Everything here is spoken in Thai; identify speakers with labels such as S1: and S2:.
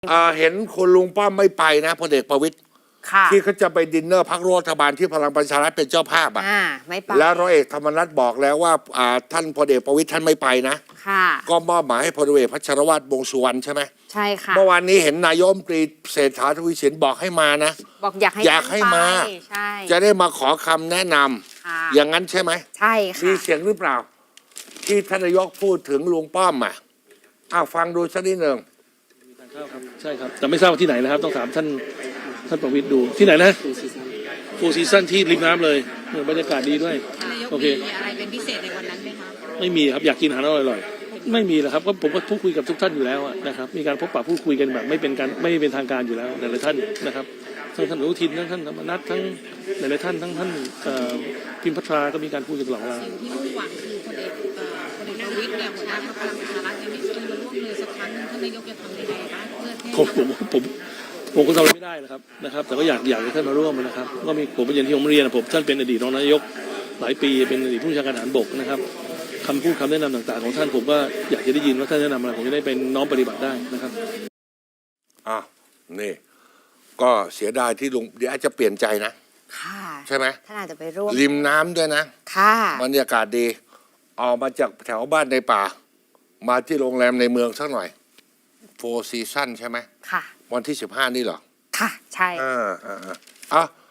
S1: เห็นคุณลุงป้อมไม่ไปนะพลเอกประวิตรที่เขาจะไปดินเนอร์พรรครัฐบาลที่พลังประชารัฐเป็นเจ้าภาพ
S2: ไม่ไป
S1: แล้วร้อยเอกธรรมนัฐบอกแล้วว่าท่านพลเอกประวิตรท่านไม่ไปนะก็มอบหมายให้พลเอกพัชรวาทวงษ์สุวรรณใช่ไหม
S2: ใช่ค่ะ
S1: เมื่อวานนี้เห็นนายกรัฐมนตรีเศรษฐาทวีสินบอกให้มานะ
S2: บอกอยากให้
S1: มาจะได้มาขอคำแนะนำอย่างนั้นใช่ไหม
S2: ใช่ค่ะ
S1: มีเสียงหรือเปล่าที่ท่านนายกพูดถึงลุงป้อมฟังดูสักนิดหนึ่ง
S3: ใช่ครับแต่ไม่ทราบว่าที่ไหนนะครับต้องถามท่านประวิตรดูที่ไหนนะฟูซีซั่นที่ริมน้ำเลยบรรยากาศดีด้วยโอเค
S4: มีอะไรเป็นพิเศษในวันนั้นไหมคะ
S3: ไม่มีครับอยากกินอาหารอร่อยๆไม่มีหรอกครับก็ผมก็พูดคุยกับทุกท่านอยู่แล้วนะครับมีการพบปะพูดคุยกันแบบไม่เป็นทางการอยู่แล้วหลายๆท่านนะครับทั้งท่านอนุทินทั้งท่านธรรมนัสทั้งหลายๆท่านทั้งท่านพิมพ์พัทราก็มีการพูดกันตลอดเวลา
S4: สิ่งที่มุ่งหวังคือพลเอกประวิตรเนี่ยหัวหน้าพรรคพลังประชารัฐยังไม่เคยมาร่วมเลยสักครั้งนึงท่านนายกจะทำยังไงบ้างเพื่อ
S3: ผมก็ทำไม่ได้นะครับแต่ก็อยากให้ท่านมาร่วมนะครับก็มีผมอย่างที่ผมเรียนผมท่านเป็นอดีตรองนายกหลายปีเป็นอดีตผู้บัญชาการทหารบกนะครับคำพูดคำแนะนำต่างๆของท่านผมก็อยากจะได้ยินว่าท่านแนะนำอะไรผมจะได้เป็นน้อมปฏิบัติได้นะครับ
S1: นี่ก็เสียดายที่ลุงเดี๋ยวอาจจะเปลี่ยนใจนะใช่ไหม
S2: ท่านอาจจะไปร่วม
S1: ริมน้ำด้วยนะบรรยากาศดีออกมาจากแถวบ้านในป่ามาที่โรงแรมในเมืองสักหน่อยโฟร์ซีซั่นใช่ไหม
S2: ค่ะ
S1: วันที่15นี่เหรอ
S2: ค่ะใช่